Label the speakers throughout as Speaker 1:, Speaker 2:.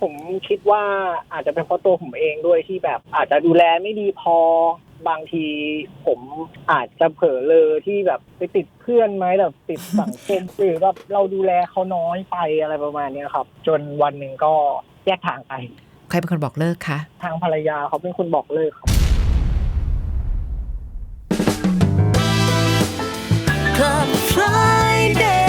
Speaker 1: ผมคิดว่าอาจจะเป็นเพราะตัวผมเองด้วยที่แบบอาจจะดูแลไม่ดีพอบางทีผมอาจจะเผลอเลอที่แบบไปติดเพื่อนไหมแบบติดสังคม หรือแบบเราดูแลเขาน้อยไปอะไรประมาณนี้ครับจนวันหนึ่งก็แยกทางไป
Speaker 2: ใครเป็นคนบอกเลิกคะ
Speaker 1: ทางภรรยาเขาเป็นคนบอกเลิกครับ
Speaker 3: Club Friday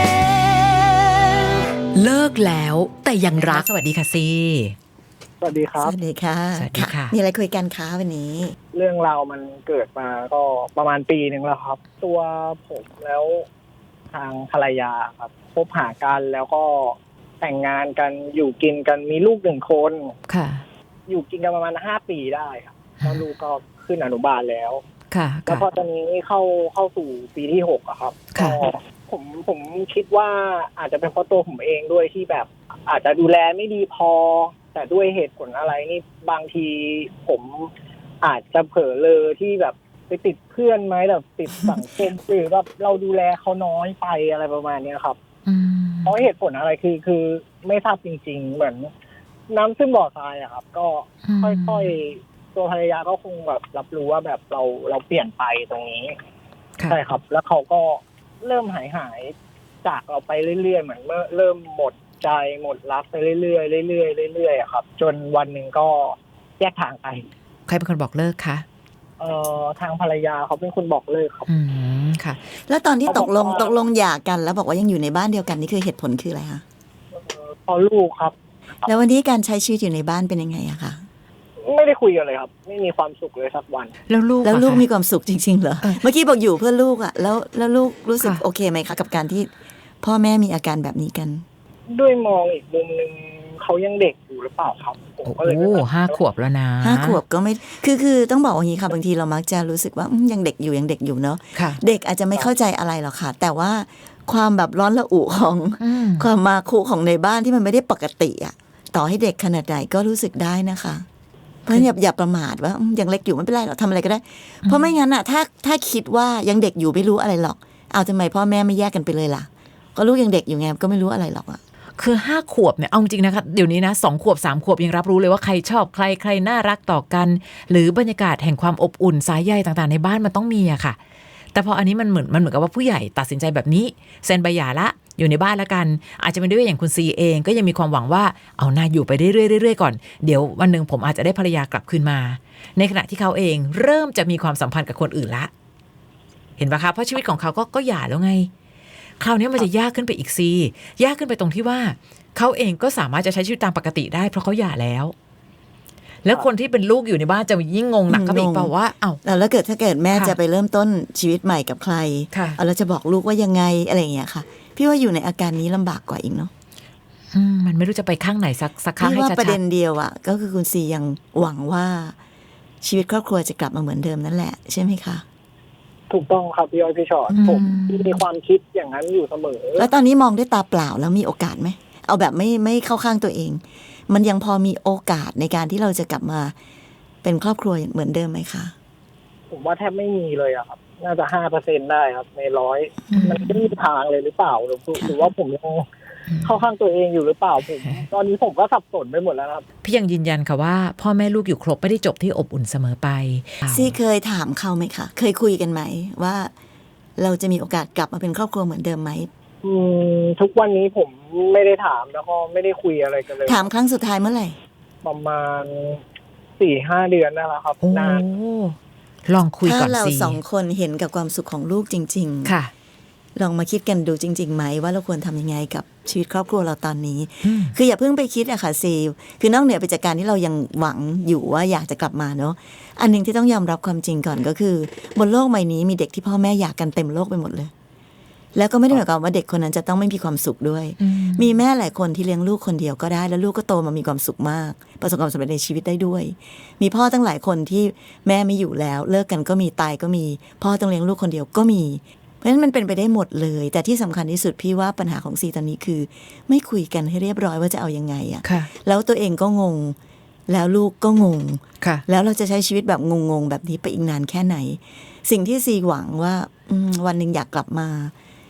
Speaker 2: เลิกแล้วแต่ยังรักสวัสดีค่ะซี
Speaker 1: สวัสดีครับ
Speaker 4: สวัสดีค่ะ
Speaker 2: สวัสดีค่ะ
Speaker 4: มีอะไรคุยกันคะวันนี้
Speaker 1: เรื่องราวมันเกิดมาก็ประมาณปีนึงแล้วครับตัวผมแล้วทางภรรยาครับพบหากันแล้วก็แต่งงานกันอยู่กินกันมีลูก1 คน
Speaker 2: ค่ะ
Speaker 1: อยู่กินกันประมาณ5 ปีได้ครับแล้วลูกก็ขึ้นอนุบาลแล้ว
Speaker 2: ค่ะ
Speaker 1: แล้วพอตอนนี้เข้าสู่ปีที่6อะครับก็ผมคิดว่าอาจจะเป็นเพราะตัวผมเองด้วยที่แบบอาจจะดูแลไม่ดีพอแต่ด้วยเหตุผลอะไรนี่บางทีผมอาจจะเผลอเลอที่แบบไปติดเพื่อนไหมแบบติดสังคม หรือแบบเราดูแลเขาน้อยไปอะไรประมาณนี้ครับเพราะเหตุผลอะไรคือไม่ทราบจริงๆเหมือนน้ำซึมบ่อทรายอะครับก็ค่อยๆตัวภรรยาก็คงแบบรับรู้ว่าแบบเราเปลี่ยนไปตรงนี้ใช่ครับแล้วเขาก็เริ่มหายจากเราไปเรื่อยๆเหมือนเมื่อเริ่มหมดใจหมดรักไปเรื่อยๆเรื่อยๆเรื่อยๆครับจนวันหนึ่งก็แยกทางไป
Speaker 2: ใครเป็นคนบอกเลิกคะ
Speaker 1: ทางภรรยาเขาเป็นคนบอกเลิกครับ
Speaker 2: ค่ะ
Speaker 4: แล้วตอนที่ตกลงหย่ากันแล้วบอกว่ายังอยู่ในบ้านเดียวกันนี่คือเหตุผลคืออะไรคะ
Speaker 1: พอลูกครับ
Speaker 4: แล้ววันนี้การใช้ชีวิตอยู่ในบ้านเป็นยังไงอะคะ
Speaker 1: ไม่ได้คุยกันเลยครับไม่มีความสุขเลยสักวัน
Speaker 2: แล้วลูก
Speaker 4: มีความสุขจริงๆเหรอเมื่อกี้บอกอยู่เพื่อลูกอะแล้วลูกรู้สึกโอเคไหมคะกับการที่พ่อแม่มีอาการแบบนี้กัน
Speaker 1: ด้วยมองอีกมุมนึงเขายังเด็กอยู่หรือเปล่าครับผมก็เลย
Speaker 2: 5 ขวบแล้วนะ
Speaker 4: 5 ขวบก็ไม่คือต้องบอกอย่างนี้ค่ะบางทีเรามักจะรู้สึกว่ายังเด็กอยู่เนาะเด็กอาจจะไม่เข้าใจอะไรหรอกค่ะแต่ว่าความแบบร้อนระอุของความมาคุของในบ้านที่มันไม่ได้ปกติอะต่อให้เด็กขนาดไหนก็รู้สึกได้นะคะเพราะอย่าประมาทว่ายังเล็กอยู่ไม่เป็นไรหรอกทำอะไรก็ได้เพราะไม่งั้นอะถ้าคิดว่ายังเด็กอยู่ไม่รู้อะไรหรอกเอาทำไมพ่อแม่ไม่แยกกันไปเลยล่ะก็ลูกยังเด็กอยู่ไงก็ไม่รู้อะไรหรอกอะ
Speaker 2: คือ5 ขวบเนี่ยเอาจริงนะคะเดี๋ยวนี้นะ2 ขวบ3 ขวบยังรับรู้เลยว่าใครชอบใครน่ารักต่อกันหรือบรรยากาศแห่งความอบอุ่นสายใยต่างๆในบ้านมันต้องมีอะค่ะแต่พออันนี้มันเหมือนกับว่าผู้ใหญ่ตัดสินใจแบบนี้เซ็นใบหย่าละอยู่ในบ้านละกันอาจจะเป็นด้วยอย่างคุณซีเองก็ยังมีความหวังว่าเอาหน้าอยู่ไปเรื่อยๆก่อนเดี๋ยววันนึงผมอาจจะได้ภรรยากลับคืนมาในขณะที่เขาเองเริ่มจะมีความสัมพันธ์กับคนอื่นละเห็นปะคะเพราะชีวิตของเขาก็หย่าแล้วไงคราวนี้มันจะยากขึ้นไปอีกซียากขึ้นไปตรงที่ว่าเขาเองก็สามารถจะใช้ชีวิตตามปกติได้เพราะเขาหย่าแล้วคนที่เป็นลูกอยู่ในบ้านจะยิ่งงงหนักก็ไปอีกเปล่าว่า
Speaker 4: แล้วถ้าเกิดแม่จะไปเริ่มต้นชีวิตใหม่กับใครเราจะบอกลูกว่ายังไงอะไรอย่างเงี้ยค่ะพี่ว่าอยู่ในอาการนี้ลำบากกว่าอีกเนาะ
Speaker 2: มันไม่รู้จะไปข้างไหนสักข้างให้ชัดๆ
Speaker 4: พี่ว่าประเด็นเดียวอะก็คือคุณซียังหวังว่าชีวิตครอบครัวจะกลับมาเหมือนเดิมนั่นแหละใช่ไหมคะ
Speaker 1: ถูกต้องครับพี่อ้อยพี่ชอตผมมีความคิดอย่างนั้นอยู่เสมอ
Speaker 4: แล้วตอนนี้มองด้วยตาเปล่าแล้วมีโอกาสไหมเอาแบบไม่เข้าข้างตัวเองมันยังพอมีโอกาสในการที่เราจะกลับมาเป็นครอบครัวเหมือนเดิมไหมคะ
Speaker 1: ผมว่าแทบไม่มีเลยอะครับน่าจะ5%ได้ครับใน100มันไม่มีทางเลยหรือเปล่าหรือว่าผมยังเข้าข้างตัวเองอยู่หรือเปล่าผมตอนนี้ผมก็สับสนไปหมดแล้วครับ
Speaker 2: พี่ยังยืนยันค่ะว่าพ่อแม่ลูกอยู่ครบไม่ได้จบที่อบอุ่นเสมอไป
Speaker 4: ซี่เคยถามเขาไหมคะเคยคุยกันไหมว่าเราจะมีโอกาสกลับมาเป็นครอบครัวเหมือนเดิมไหม
Speaker 1: ทุกวันนี้ผมไม่ได้ถามแล้วก็ไม่ได้คุยอะไรกันเลย
Speaker 4: ถามครั้งสุดท้ายเมื่อไหร่
Speaker 1: ประมาณ 4-5 เดือนนั่นแหละครับนาน
Speaker 2: ลองคุยก่อนสิ
Speaker 4: ถ้าเรา2 คนเห็นกับความสุขของลูกจริง
Speaker 2: ๆค่ะ
Speaker 4: ลองมาคิดกันดูจริงๆไหมว่าเราควรทำยังไงกับชีวิตครอบครัวเราตอนนี้คืออย่าเพิ่งไปคิดอะค่ะซีคือนอกเหนือไปจากการที่เรายังหวังอยู่ว่าอยากจะกลับมาเนาะอันนึงที่ต้องยอมรับความจริงก่อนก็คือบนโลกใบนี้มีเด็กที่พ่อแม่อยากกันเต็มโลกไปหมดเลยแล้วก็ไม่ได้หมายความว่าเด็กคนนั้นจะต้องไม่มีความสุขด้วยมีแม่หลายคนที่เลี้ยงลูกคนเดียวก็ได้แล้วลูกก็โตมามีความสุขมากประสบความสำเร็จในชีวิตได้ด้วยมีพ่อตั้งหลายคนที่แม่ไม่อยู่แล้วเลิกกันก็มีตายก็มีพ่อต้องเลี้ยงลูกคนเดียวก็มีเพราะฉะนั้นมันเป็นไปได้หมดเลยแต่ที่สำคัญที่สุดพี่ว่าปัญหาของซีตอนนี้คือไม่คุยกันให้เรียบร้อยว่าจะเอายังไงอะแล้วตัวเองก็งงแล้วลูกก็งงแล้วเราจะใช้ชีวิตแบบงงๆแบบนี้ไปอีกนานแค่ไหนสิ่งที่ซีหวังว่าวันนึงอยากกลับมาพี่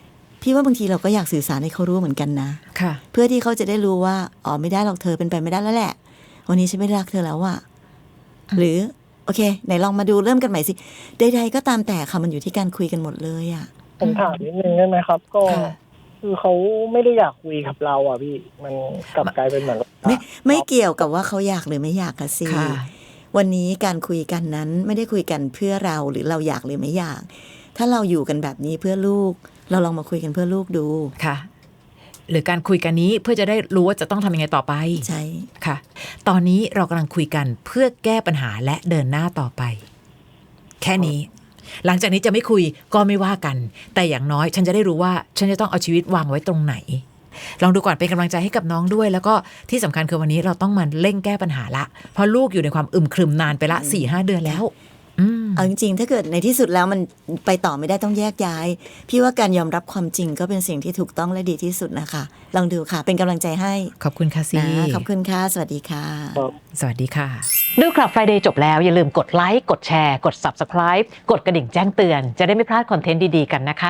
Speaker 4: พี่ว่าบางทีเราก็อยากสื่อสารให้เขารู้เหมือนกันนะ
Speaker 2: ค่ะ
Speaker 4: เพื่อที่เขาจะได้รู้ว่าอ๋อไม่ได้หรอกเธอเป็นไปไม่ได้แล้วแหละวันนี้ฉันไม่รักเธอแล้วอะหรือโอเคไหนลองมาดูเริ่มกันใหม่สิใดๆก็ตามแต่ค่ะมันอยู่ที่การคุยกันหมดเลยอะ
Speaker 1: ผมถามนิดนึงได้ไหมครับ ก็
Speaker 2: ค่ะ
Speaker 1: คือเขาไม่ได้อยากคุยกับเราอ่ะพี่มันกลับกลายเป็นเหมือนว่า
Speaker 4: ไม่เกี่ยวกับว่าเขาอยากหรือไม่อยากค่ะสิ
Speaker 2: ค่ะ
Speaker 4: วันนี้การคุยกันนั้นไม่ได้คุยกันเพื่อเราหรือเราอยากหรือไม่อยาก ถ้าเราอยู่กันแบบนี้เพื่อลูกเราลองมาคุยกันเพื่อลูกดู
Speaker 2: ค่ะ หรือการคุยกันนี้เพื่อจะได้รู้ว่าจะต้องทำยังไงต่อไป
Speaker 4: ใช่
Speaker 2: ค่ะ ตอนนี้เรากำลังคุยกันเพื่อแก้ปัญหาและเดินหน้าต่อไป แค่นี้ หลังจากนี้จะไม่คุยก็ไม่ว่ากัน แต่อย่างน้อยฉันจะได้รู้ว่าฉันจะต้องเอาชีวิตวางไว้ตรงไหน ลองดูก่อนเป็นกำลังใจให้กับน้องด้วย แล้วก็ที่สำคัญคือวันนี้เราต้องมาเร่งแก้ปัญหาละเพราะลูกอยู่ในความอึมครึมนานไปละ 4-5 เดือนแล้ว
Speaker 4: เอาจริงๆถ้าเกิดในที่สุดแล้วมันไปต่อไม่ได้ต้องแยกย้าย พี่ว่าการยอมรับความจริงก็เป็นสิ่งที่ถูกต้องและดีที่สุดนะคะลองดูค่ะเป็นกำลังใจให้
Speaker 2: ขอบคุณค่ะซี
Speaker 4: นะขอบคุณค่ะสวัสดีค่ะ
Speaker 2: สวัสดีค่ะ
Speaker 5: ดูคลับ Friday จบแล้วอย่าลืมกดไลค์กดแชร์กด Subscribe กดกระดิ่งแจ้งเตือนจะได้ไม่พลาดคอนเทนต์ดีๆกันนะคะ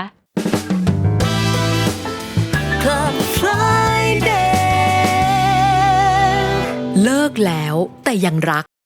Speaker 3: Club Friday
Speaker 6: เลิกแล้วแต่ยังรัก